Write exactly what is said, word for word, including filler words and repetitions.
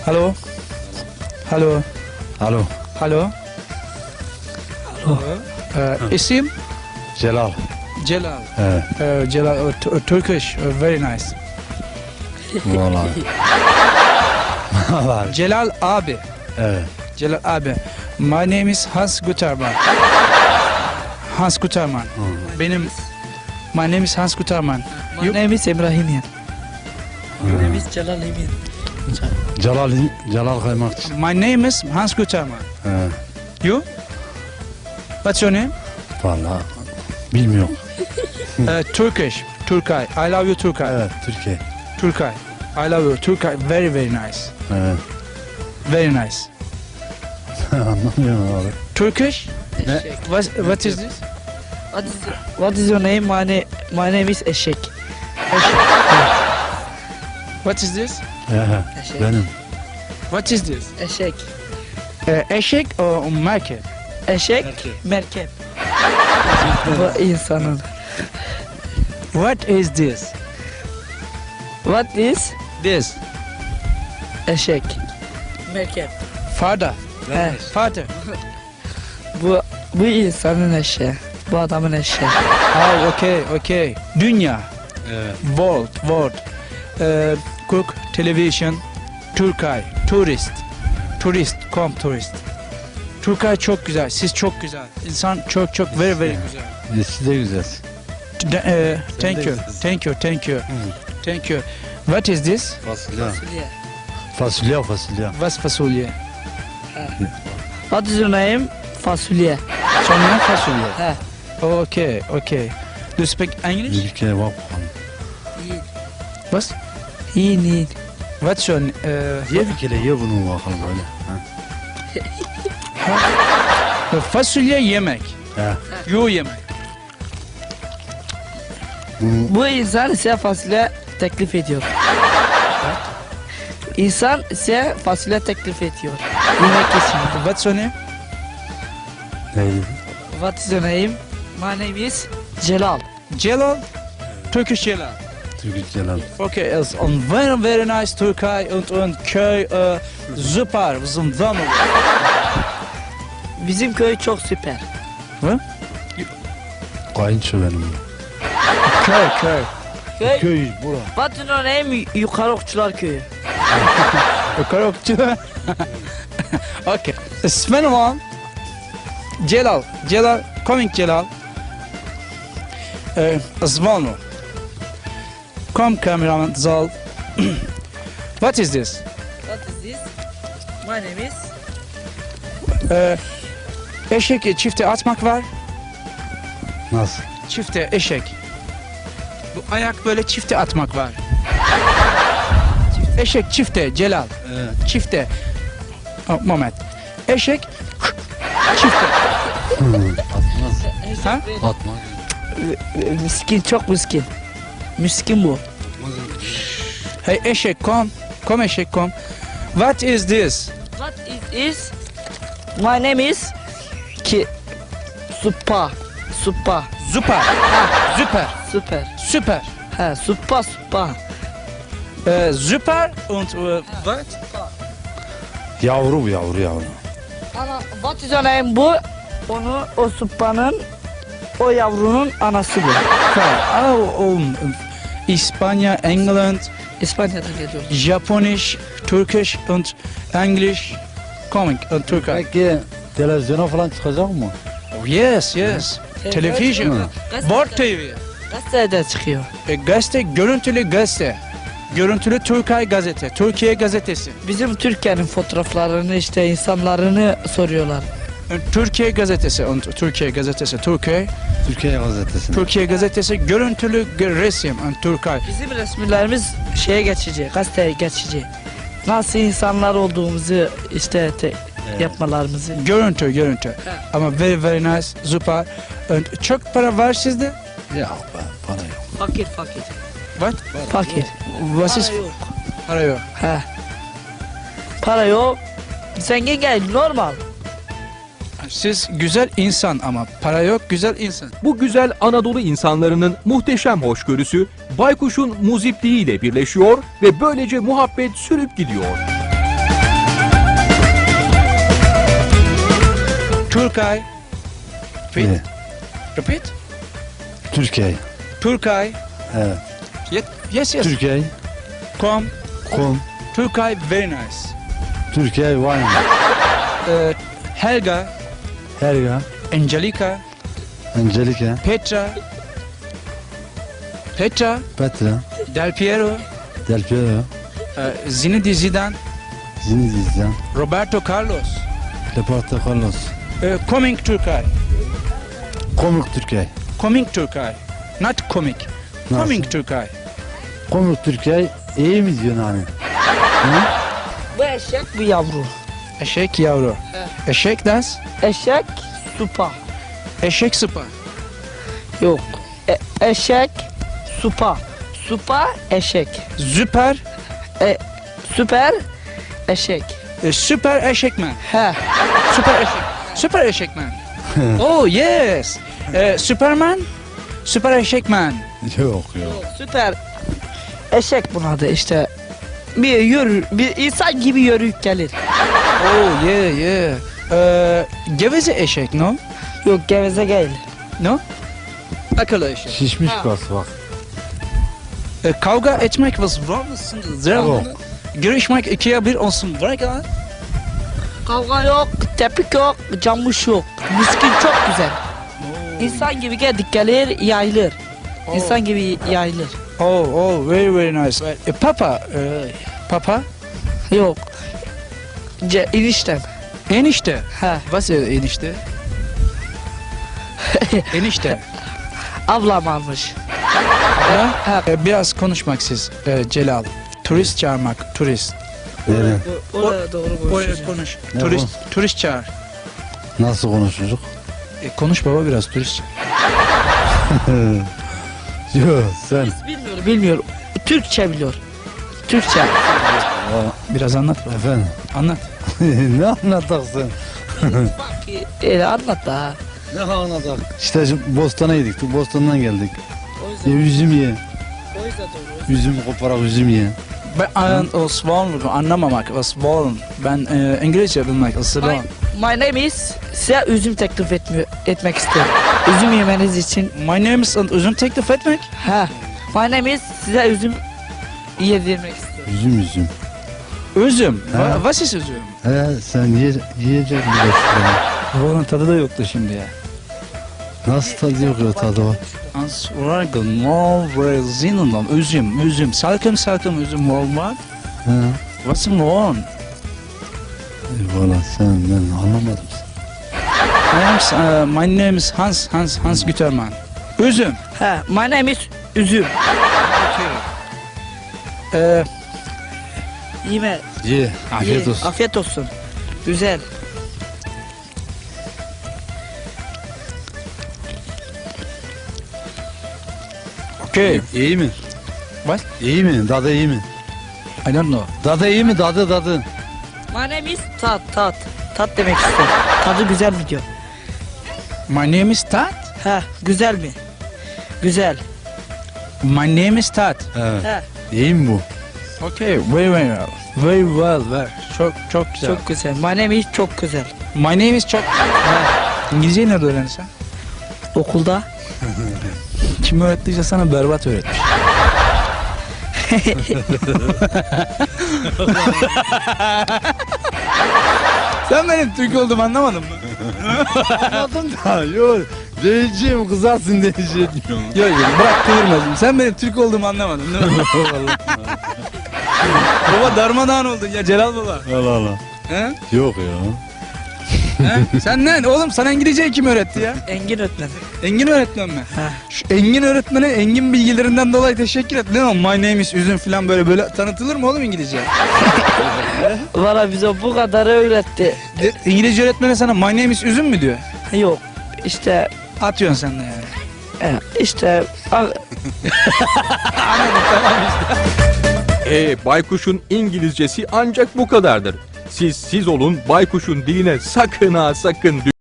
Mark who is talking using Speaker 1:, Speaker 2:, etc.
Speaker 1: Hello. Hello.
Speaker 2: Alo.
Speaker 1: Hello. Hello. Uh, isim?
Speaker 2: Celal.
Speaker 1: Celal.
Speaker 2: Evet.
Speaker 1: Uh, Celal, uh, t- uh, Turkish, uh, very nice.
Speaker 2: Vallahi. Vallahi.
Speaker 1: Celal abi.
Speaker 2: Evet.
Speaker 1: Celal abi. My name is Hans Guterman. Hans Guterman. Benim My name is Hans Guterman.
Speaker 3: My
Speaker 1: You?
Speaker 3: name is Ibrahimian. My name is Celal Emin.
Speaker 2: Celal, Celal Kaymakçı.
Speaker 1: My name is Hans Guterman.
Speaker 2: Evet.
Speaker 1: You? What's your name?
Speaker 2: Vallahi bilmiyorum.
Speaker 1: Uh, Turkish. Turkay. I love you Turkay.
Speaker 2: Evet, Türkiye.
Speaker 1: Turkay. I love you Turkay. Very very nice.
Speaker 2: Evet.
Speaker 1: Very nice.
Speaker 2: Anlamıyorum abi.
Speaker 1: Turkish?
Speaker 3: Eşek.
Speaker 1: What, what is this?
Speaker 3: What is, what is your name? My, na my name is Eşek.
Speaker 1: What is this?
Speaker 2: Evet,
Speaker 3: Eşek.
Speaker 2: benim.
Speaker 1: What is this?
Speaker 3: Eşek.
Speaker 1: Uh, eşek or market?
Speaker 3: Eşek. Merkep. Bu insanın.
Speaker 1: What is this?
Speaker 3: What is
Speaker 1: This.
Speaker 3: eşek? Merkep.
Speaker 1: Father.
Speaker 3: He,
Speaker 1: Father.
Speaker 3: bu bu insanın eşeği. Bu adamın eşeği.
Speaker 1: Oh, okay, okay. Dünya.
Speaker 2: Evet.
Speaker 1: World, world. Uh, cook, television, Turkay, tourist. Turist, come tourist. Turkay çok güzel, siz çok güzel. İnsan çok çok very very güzel.
Speaker 2: Siz de güzelsin.
Speaker 1: D- uh, thank you, thank you, thank you, thank you. What is this?
Speaker 2: Fasulye.
Speaker 3: Fasulye.
Speaker 2: Fasulye, fasulye.
Speaker 1: What's fasulye?
Speaker 3: What is your name? Fasulye.
Speaker 1: Sonra fasulye.
Speaker 3: He.
Speaker 1: Okay, okay. Do you speak English?
Speaker 2: Bir kere bak bakalım.
Speaker 1: What?
Speaker 3: İyi değil.
Speaker 1: What's your uh,
Speaker 2: Ye bir kere ye bunu bakalım böyle. Ha.
Speaker 1: fasulye yemek.
Speaker 2: He.
Speaker 1: Yo yemek.
Speaker 2: Bunu
Speaker 3: Bu insan size fasulye teklif ediyor. İnsan size fasulye teklif ediyor. Yemek için.
Speaker 1: What's your name?
Speaker 2: neydi?
Speaker 3: What is your name? My name is Celal.
Speaker 1: Celal. Turkish Celal.
Speaker 2: Türkü Celal.
Speaker 1: Okay, es on very very nice Türkei und und köy uh, super, zum Damm.
Speaker 3: Bizim köy çok süper.
Speaker 2: Kayınço benim.
Speaker 1: Köy köy.
Speaker 3: Köy.
Speaker 2: Köy bura.
Speaker 3: What is your name? Yukarı Okçular Köyü.
Speaker 1: Korokçu. Okay. İsmin var? Celal. Celal. Coming Celal. Eh, Zvalno. Come cameraman Zal. What is this?
Speaker 3: What is this? My name is
Speaker 1: Eh, eşek çifte atmak var.
Speaker 2: Nasıl?
Speaker 1: Çifte eşek. Bu ayak böyle çifte atmak var. Eşek çifte Celal.
Speaker 2: Evet.
Speaker 1: Çifte. Oh, moment. Eşek çifte.
Speaker 2: Atmaz.
Speaker 1: Ha?
Speaker 2: Atmaz.
Speaker 3: miskin, çok miskin. Miskin bu.
Speaker 1: Hey eşek kom. Kom eşek kom. What is this?
Speaker 3: What is is? My name is ki Supa. Supa.
Speaker 1: Süper. Süper.
Speaker 3: Süper.
Speaker 1: Süper.
Speaker 3: Ha, Supa Supa.
Speaker 1: Äh, super und äh, what?
Speaker 2: Yavru bu yavru yavru.
Speaker 3: Ana, what is your name bu? Onu, o Supa'nın, o yavrunun anası bu.
Speaker 1: Klar. Oh, um, İspanya, England,
Speaker 3: İspanya'dan geliyor.
Speaker 1: Japonisch, Turkish und English. Coming und Türkei.
Speaker 2: Peki televizyona falan çıkacak mı?
Speaker 1: Oh, yes, yes. Television. Wort T V.
Speaker 3: Gazetede çıkıyor.
Speaker 1: E, gazete, görüntülü gazete. Görüntülü Türkiye gazete. Türkiye gazetesi.
Speaker 3: Bizim Türkiye'nin fotoğraflarını işte insanlarını soruyorlar.
Speaker 1: E, Türkiye gazetesi. Und Türkiye gazetesi. Türkiye.
Speaker 2: Türkiye gazetesinde.
Speaker 1: Türkiye gazetesi. Görüntülü g- resim. Und Türkiye.
Speaker 3: Bizim resimlerimiz şeye geçici, gazeteye geçici. Nasıl insanlar olduğumuzu işte te- yapmalarımızı.
Speaker 1: Görüntü, görüntü. Ama very very nice. Süper. Und çok para var sizde?
Speaker 2: Yok be para yok.
Speaker 3: Fakir fakir.
Speaker 1: What?
Speaker 3: Fakir.
Speaker 1: Was ist?
Speaker 3: Para yok.
Speaker 1: Para yok.
Speaker 3: He. Para yok. Zengin gel normal.
Speaker 1: Siz güzel insan ama para yok güzel insan.
Speaker 4: Bu güzel Anadolu insanlarının muhteşem hoşgörüsü Baykuş'un muzipliğiyle birleşiyor ve böylece muhabbet sürüp gidiyor.
Speaker 1: Turkay. Repeat.
Speaker 2: Ne?
Speaker 1: Repeat.
Speaker 2: Türkiye.
Speaker 1: Turkay.
Speaker 2: Evet.
Speaker 1: Yes, yes. yes.
Speaker 2: Türkiye.
Speaker 1: Come.
Speaker 2: Kom.
Speaker 1: Turkay, very nice.
Speaker 2: Türkiye wine.
Speaker 1: Uh, Helga,
Speaker 2: Helga.
Speaker 1: Angelica,
Speaker 2: Angelica.
Speaker 1: Petra, Petra,
Speaker 2: Petra.
Speaker 1: Del Piero,
Speaker 2: Del Piero.
Speaker 1: uh, Zinedine Zidane,
Speaker 2: Zinedine Zidane.
Speaker 1: Roberto Carlos.
Speaker 2: Leporto Carlos.
Speaker 1: Uh, coming Turkay.
Speaker 2: Komik Türkiye.
Speaker 1: Coming Turkay. Not comic.
Speaker 2: Nasıl?
Speaker 1: Coming Turkay.
Speaker 2: Komik Türkiye iyi mi diyorsun hani?
Speaker 3: Bu eşek bu yavru.
Speaker 1: Eşek yavru. Eşek das.
Speaker 3: Eşek supa.
Speaker 1: Eşek sıpa.
Speaker 3: Yok. E- eşek supa. Supa eşek.
Speaker 1: Süper.
Speaker 3: E, süper eşek.
Speaker 1: e, süper eşekmen.
Speaker 3: He.
Speaker 1: Süper eşek. Süper eşekmen. Oh yes. E, Superman. Süper eşekmen.
Speaker 2: Yok yok.
Speaker 3: Süper eşek bunun adı işte. Bir yürür, bir insan gibi yürüyüp gelir.
Speaker 1: Oh yeah yeah. E, geveze eşek no?
Speaker 3: Yok geveze değil.
Speaker 1: No? Akıllı eşek.
Speaker 2: Şişmiş
Speaker 3: Ha.
Speaker 2: kas bak.
Speaker 1: E, kavga etmek was wrong mısın?
Speaker 2: Yok.
Speaker 1: Görüşmek ikiye bir olsun. Bırak ya.
Speaker 3: Kavga yok, tepik yok, camış yok. Miskin çok güzel. İnsan gibi geldik gelir, yayılır. İnsan gibi yayılır.
Speaker 1: Oh oh very very nice. E, papa. E, papa.
Speaker 3: Yok. Ce, eniştem.
Speaker 1: Enişte.
Speaker 3: He.
Speaker 1: Was ist enişte? Enişte.
Speaker 3: Ablam almış.
Speaker 1: Ha? E, biraz konuşmak siz e, Celal. Turist çağırmak, turist.
Speaker 2: Verin.
Speaker 3: Oraya doğru
Speaker 1: Oraya konuş.
Speaker 2: Ne
Speaker 1: Turist, turist çağır.
Speaker 2: Nasıl konuşuyoruz?
Speaker 1: E, konuş baba biraz turist çağır.
Speaker 2: Yok sen.
Speaker 3: Bilmiyorum, bilmiyorum. Türkçe biliyor. Türkçe.
Speaker 1: Biraz anlat baba.
Speaker 2: Efendim.
Speaker 1: Anlat.
Speaker 2: Ne anlatacaksın?
Speaker 3: Bak, öyle anlat da.
Speaker 2: Ne anlatak? İşte şimdi Bostan'a gittik. Bostan'dan geldik.
Speaker 3: O
Speaker 2: Ya
Speaker 3: yüzden,
Speaker 2: üzüm ye.
Speaker 3: o yüzden doğru.
Speaker 2: Üzüm koparak üzüm ye.
Speaker 1: Ben an, o Swan anlamamak, o Swan. Ben e, İngilizce bilmek, o Swan.
Speaker 3: My, my name is size üzüm teklif etmiyor, etmek istiyorum. Üzüm yemeniz için.
Speaker 1: My name is üzüm teklif etmek.
Speaker 3: Ha. My name is size üzüm yedirmek istiyorum.
Speaker 2: Üzüm üzüm.
Speaker 1: Üzüm.
Speaker 2: Ha.
Speaker 1: Va, was ist üzüm?
Speaker 2: He sen ye, yiyecek misin?
Speaker 1: Onun tadı da yoktu şimdi ya.
Speaker 2: Nasıl tadı yok ya tadı var?
Speaker 1: Ansvargın, mor ve zinundan, üzüm, üzüm. Salkım salkım üzüm olmak.
Speaker 2: He.
Speaker 1: Was ist morgen?
Speaker 2: Valla sen ben anlamadım.
Speaker 1: My name is, uh, my name is Hans, Hans, Hans Gütermann. Üzüm.
Speaker 3: Ha. My name is üzüm.
Speaker 1: Ee,
Speaker 3: Yeme.
Speaker 2: Ye. Afiyet
Speaker 3: ye.
Speaker 2: olsun.
Speaker 3: Afiyet olsun. Güzel.
Speaker 1: okay.
Speaker 2: İyi mi?
Speaker 1: What?
Speaker 2: İyi mi? Dadı iyi mi?
Speaker 1: I don't know.
Speaker 2: Dadı iyi mi? Dadı dadı.
Speaker 3: My name is tat tat. Tat demek istiyorum. Tadı güzel mi diyor.
Speaker 1: My name is Tat.
Speaker 3: Ha. Güzel mi? Güzel.
Speaker 1: My name is Tat.
Speaker 2: Evet.
Speaker 3: Ha.
Speaker 2: İyi mi bu?
Speaker 1: Okay, very very well. Very well, very. Çok çok güzel.
Speaker 3: Çok güzel. My name is çok güzel.
Speaker 1: My name is çok. İngilizceyi nerede öğrendin sen?
Speaker 3: Okulda.
Speaker 1: Kim öğrettiyse sana berbat öğretmiş. Sen benim Türk olduğumu anlamadın mı?
Speaker 2: Anladım da yok. Diyeceğim kızarsın diyeceğim.
Speaker 1: Yok yok bırak kıvırmasın. Sen benim Türk olduğumu anlamadın değil mi? Baba darmadağın oldun ya Celal baba.
Speaker 2: Allah Allah.
Speaker 1: He?
Speaker 2: Yok ya.
Speaker 1: He? Sen ne? Oğlum sana İngilizceyi kim öğretti ya?
Speaker 3: Engin öğretmen.
Speaker 1: Engin öğretmen mi?
Speaker 3: Ha.
Speaker 1: Şu Engin öğretmene Engin bilgilerinden dolayı teşekkür et. Ne o? My name is üzüm falan böyle böyle tanıtılır mı oğlum İngilizce?
Speaker 3: Valla bize bu kadar öğretti.
Speaker 1: De- İngilizce öğretmene sana my name is üzüm mü diyor?
Speaker 3: Yok. İşte
Speaker 1: Atıyorsun sen de yani.
Speaker 3: e, işte a-
Speaker 4: E baykuşun İngilizcesi ancak bu kadardır. Siz siz olun, baykuşun diline sakın ha sakın